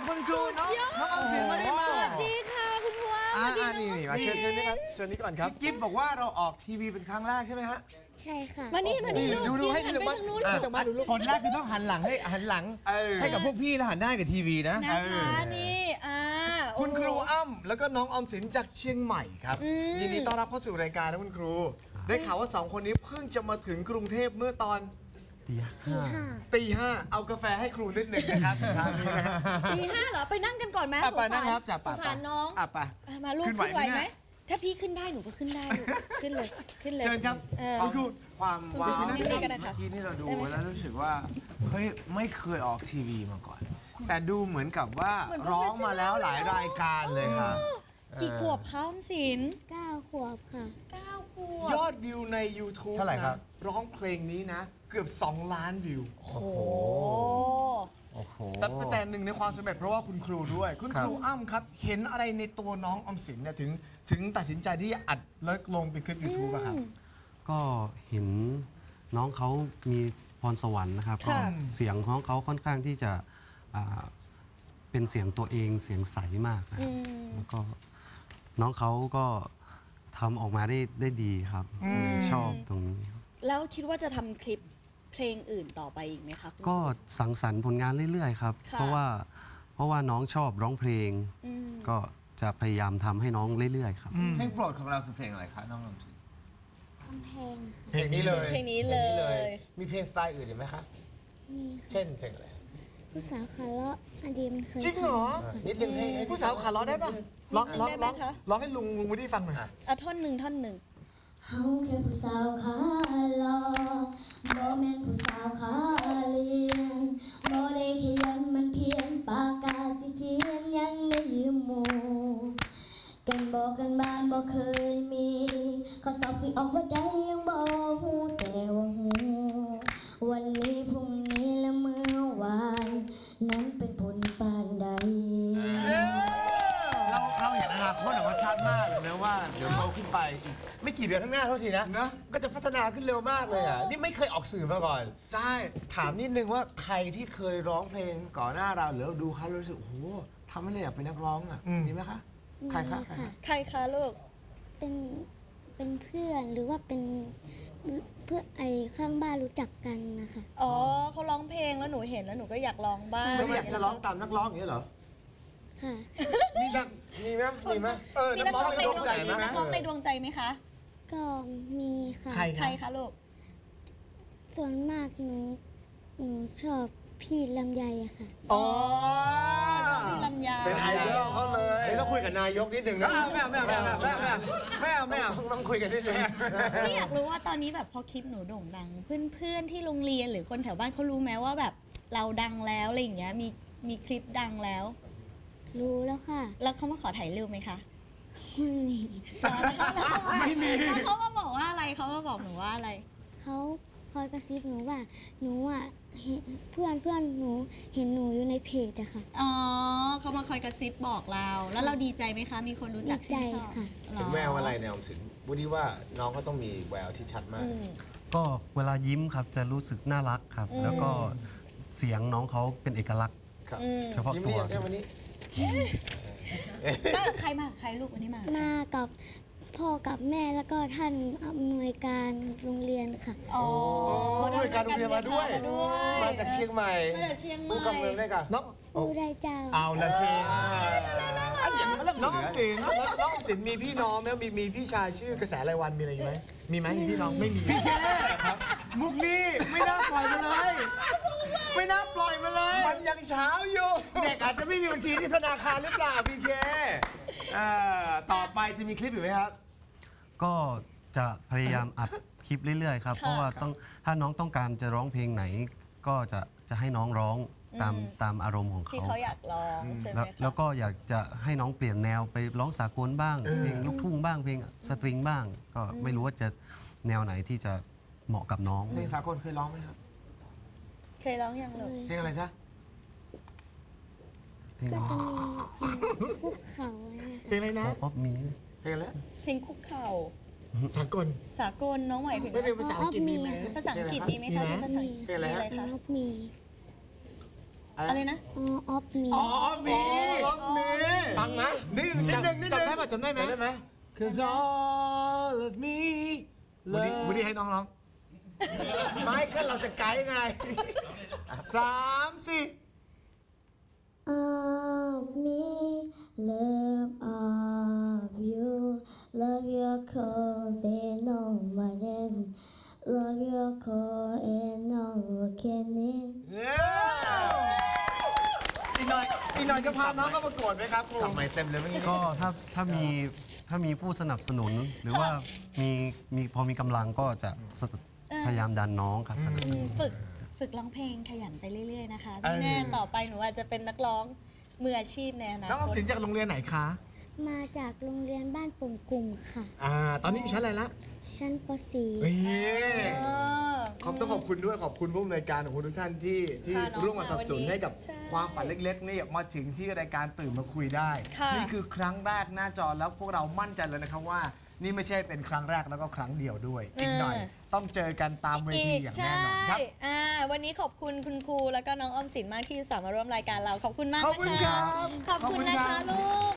คุณครูน้องออมสินมาได้มาสวัสดีค่ะคุณครูนี่มาเชิญนี่ครับเชิญนี่ก่อนครับกิ๊บบอกว่าเราออกทีวีเป็นครั้งแรกใช่ไหมฮะใช่ค่ะมานี่ดูให้ดูบ้านคนแรกคือต้องหันหลังให้กับพวกพี่แล้วหันหน้ากับทีวีนะนะคะนี่คุณครูอ้ำแล้วก็น้องออมสินจากเชียงใหม่ครับยินดีต้อนรับเข้าสู่รายการนะคุณครูได้ข่าวว่า2คนนี้เพิ่งจะมาถึงกรุงเทพเมื่อตอนตีห้าเอากาแฟให้ครูนิดหนึ่งนะครับตี 5เหรอไปนั่งกันก่อนไหมสงสารน้องมาลูกขึ้นไหวไหมถ้าพี่ขึ้นได้หนูก็ขึ้นได้ขึ้นเลยเชิญครับคุณครูความว้าวเมื่อกี้นี่เราดูแล้วรู้สึกว่าเฮ้ยไม่เคยออกทีวีมาก่อนแต่ดูเหมือนกับว่าร้องมาแล้วหลายรายการเลยค่ะกี่ขวบคะออมสิน 9 ขวบค่ะ 9 ขวบยอดวิวใน YouTube เท่าไหร่ครับร้องเพลงนี้นะเกือบ2 ล้านวิวโอ้โหแต่หนึ่งในความสำเร็จเพราะว่าคุณครูด้วยคุณครูอ้ำครับเห็นอะไรในตัวน้องออมสินเนี่ยถึงตัดสินใจที่อัดแล้วลงเป็นคลิป YouTube อะครับก็เห็นน้องเขามีพรสวรรค์นะครับก็เสียงของเขาค่อนข้างที่จะเป็นเสียงตัวเองเสียงใสมากนะแล้วก็น้องเขาก็ทำออกมาได้ดีครับชอบตรงนี้แล้วคิดว่าจะทำคลิปเพลงอื่นต่อไปอีกไหมคะก็สังสรรค์ผลงานเรื่อยๆครับเพราะว่าน้องชอบร้องเพลงก็จะพยายามทำให้น้องเรื่อยๆครับเพลงโปรดของเราคือเพลงอะไรคะน้องออมสินเพลงนี้เลยมีเพลงสไตล์อื่นอีกไหมคะเช่นเพลงอะไรผู้สาวขาเลาะอดีตมันเคยจริงเหรอนิดนึงให้ผู้สาวขาเลาะได้ปะร้องให้ลุงวูดดี้ฟังหน่อยท่อนหนึ่งเฮาแค่ผู้สาวขาเลาะบ่แม่นผู้สาวขาเลียนบ่ได้ขยันมันเพียนปากกาสิเขียนยังได้ยืมหมู่กันบอกกันบ้านบ่เคยมีข้อสอบที่ออกว่าได้ยังบ่ฮู้แต่ว่าฮู้วันนี้พรุ่งนี้และเมื่อวานนั้นเป็นผลปานใดเราเห็นอนาคตออกมาชัดมากเลยนะว่าเดี๋ยวโตขึ้นไปอีกไม่กี่เดือนข้างหน้าเท่าทีนะก็จะพัฒนาขึ้นเร็วมากเลยอ่ะนี่ไม่เคยออกสื่อมาก่อนใช่ถามนิดนึงว่าใครที่เคยร้องเพลงก่อนหน้าเราหรือดูเขารู้สึกโอ้โหทำให้เราอยากเป็นนักร้องอ่ะมีไหมคะใครคะลูกเป็นเพื่อนหรือว่าเป็นเพื่อข้างบ้านรู้จักกันนะคะอ๋อเขาร้องเพลงแล้วหนูเห็นแล้วหนูก็อยากร้องบ้างไม่อยากจะร้องตามนักร้องอย่างนี้เหรอค่ะมีไหมนักร้องในดวงใจไหมนักร้องในดวงใจไหมคะก็มีค่ะใครคะลูกส่วนมากหนูชอบพี่ลำไยอะค่ะอ๋อพี่ลำไยเป็นไอดอลเขาเลยต้องคุยกับนายกนิดนึงนะไม่เอาต้องคุยกันนิดนึงพี่อยากรู้ว่าตอนนี้แบบพอคลิปหนูโด่งดังเพื่อนที่โรงเรียนหรือคนแถวบ้านเขารู้ไหมว่าแบบเราดังแล้วอะไรอย่างเงี้ยมีคลิปดังแล้วรู้แล้วค่ะแล้วเขามาขอถ่ายรูปไหมคะไม่มีแล้วเขามาบอกว่าอะไรเขามาบอกหนูว่าอะไรเขาคอยกระซิบหนูว่าหนูอ่ะเพื่อนหนูเห็นหนูอยู่ในเพจอะค่ะอ๋อเขามาคอยกระซิบบอกเราแล้วเราดีใจไหมคะมีคนรู้จักชื่นชอบเป็นแววอะไรในออมสินวูดดี้ว่าน้องก็ต้องมีแววที่ชัดมากก็เวลายิ้มครับจะรู้สึกน่ารักครับแล้วก็เสียงน้องเขาเป็นเอกลักษณ์เฉพาะตัววันนี้มากับใครลูกวันนี้มากับพ่อกับแม่แล้วก็ท่านอำนวยการโรงเรียนค่ะอ๋ออำนวยการโรงเรียนมาด้วยมาจากเชียงใหม่ผู้กำเนิดได้กันผู้ได้เจ้าเอาละสิน้องออมสินมีพี่น้องไหมมีพี่ชายชื่อกระแสรายวันมีอะไรไหมมีพี่น้องไม่มีพี่แค่ครับมุกนี้ไม่น่าปล่อยมาเลยมันยังเช้าอยู่เด็กอาจจะไม่มีบัญชีที่ธนาคารหรือเปล่าพี่เคต่อไปจะมีคลิปอยู่ไหมครับก็จะพยายามอัดคลิปเรื่อยๆครับเพราะว่าถ้าน้องต้องการจะร้องเพลงไหนก็จะให้น้องร้องตามอารมณ์ของเขาที่เขาอยากร้องใช่ไหมแล้วก็อยากจะให้น้องเปลี่ยนแนวไปร้องสากลบ้างเพลงลูกทุ่งบ้างเพลงสตริงบ้างก็ไม่รู้ว่าจะแนวไหนที่จะเหมาะกับน้องเพลงสากลเคยร้องไหมครับเคยร้องยังเลยเพลงอะไรจ๊ะเพลงคุกเข่าเพลงอะไรนะป๊อปมีเพลงอะไรเพลงคุกเข่าสากลน้องหมายถึงไม่เป็นภาษาอังกฤษมีไหมภาษาอังกฤษมีไหมคะภาษาอังกฤษเพลงอะไรคะมีอะไรนะออฟมีอ๋อมีฟังนะนิดนึงจำได้ไหมจำได้ไหม Cause all of me วูดดี้ให้น้องร้องไม่ก็เราจะไกด์ไง 3 4 of me love of you love your clothes and no one else love your clothes and no one can in อีกหน่อยจะพาน้องเข้าประกวดไหมครับครูสับใหม่เต็มเลยเมื่อกี้ก็ถ้ามีผู้สนับสนุน หรือว่าพอมีกำลังก็จะพยายามดันน้องครับสนับสนุนฝึกร้องเพลงขยันไปเรื่อยๆนะคะไม่แน่ต่อไปหนูอาจจะเป็นนักร้องมืออาชีพในอนาคตน้องออมสินจากโรงเรียนไหนคะมาจากโรงเรียนบ้านปุ่มกุมค่ะตอนนี้อยู่ชั้นอะไรละชั้นปต้องขอบคุณด้วยขอบคุณผู้อำนวยการของคุณทุกท่านที่ร่วมมาสนับสนุนให้กับความฝันเล็กๆนี่มาถึงที่รายการตื่นมาคุยได้ นี่คือครั้งแรกหน้าจอแล้วพวกเรามั่นใจเลยนะครับว่า นี่ไม่ใช่เป็นครั้งแรกแล้วก็ครั้งเดียวด้วย อีกหน่อยต้องเจอกันตามเวทีอย่างแน่นอนครับวันนี้ขอบคุณคุณครูแล้วก็น้องออมสินมากที่สามารถร่วมรายการเราขอบคุณมากขอบคุณครับขอบคุณนะคะลูก